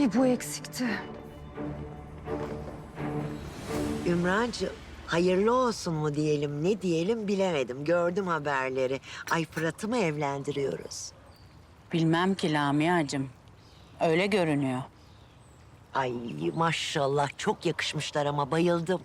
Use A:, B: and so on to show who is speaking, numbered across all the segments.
A: Bir bu eksikti.
B: Ümrancığım, hayırlı olsun mu diyelim, ne diyelim bilemedim. Gördüm haberleri. Ay Fırat'ı mı evlendiriyoruz?
C: Bilmem ki Lamia'cığım. Öyle görünüyor.
B: Ay maşallah çok yakışmışlar ama bayıldım.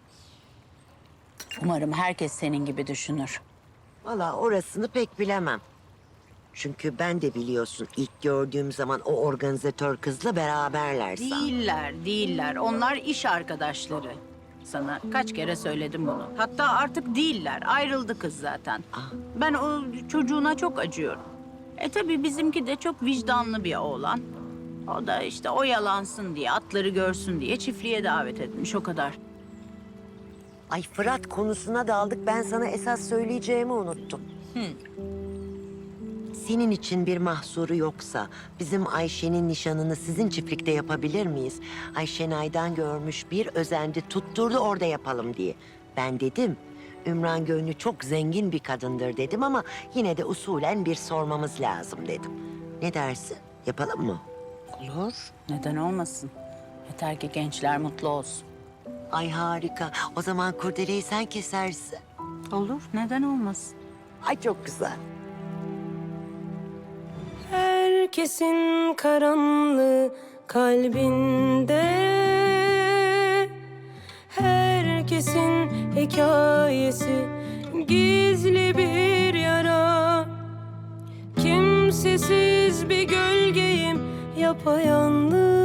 C: Umarım herkes senin gibi düşünür.
B: Vallahi orasını pek bilemem. Çünkü ben de biliyorsun ilk gördüğüm zaman o organizatör kızla beraberler sandım.
C: Değiller. Onlar iş arkadaşları. Sana kaç kere söyledim bunu. Hatta artık değiller. Ayrıldı kız zaten. Ben o çocuğuna çok acıyorum. Tabii bizimki de çok vicdanlı bir oğlan. O da işte oyalansın diye, atları görsün diye çiftliğe davet etmiş o kadar.
B: Ay Fırat konusuna daldık. Ben sana esas söyleyeceğimi unuttum. Senin için bir mahsuru yoksa bizim Ayşe'nin nişanını sizin çiftlikte yapabilir miyiz? Ayşenay'dan görmüş bir özendi tutturdu orada yapalım diye. Ben dedim Ümran Gönlü çok zengin bir kadındır dedim ama yine de usulen bir sormamız lazım dedim. Ne dersin? Yapalım mı?
C: Olur. Neden olmasın? Yeter ki gençler mutlu olsun.
B: Ay harika. O zaman kurdeleyi sen kesersin.
C: Olur. Neden olmasın?
B: Ay çok güzel.
D: Herkesin karanlığı kalbinde, herkesin hikayesi gizli bir yara. Kimsesiz bir gölgeyim yapayalnız.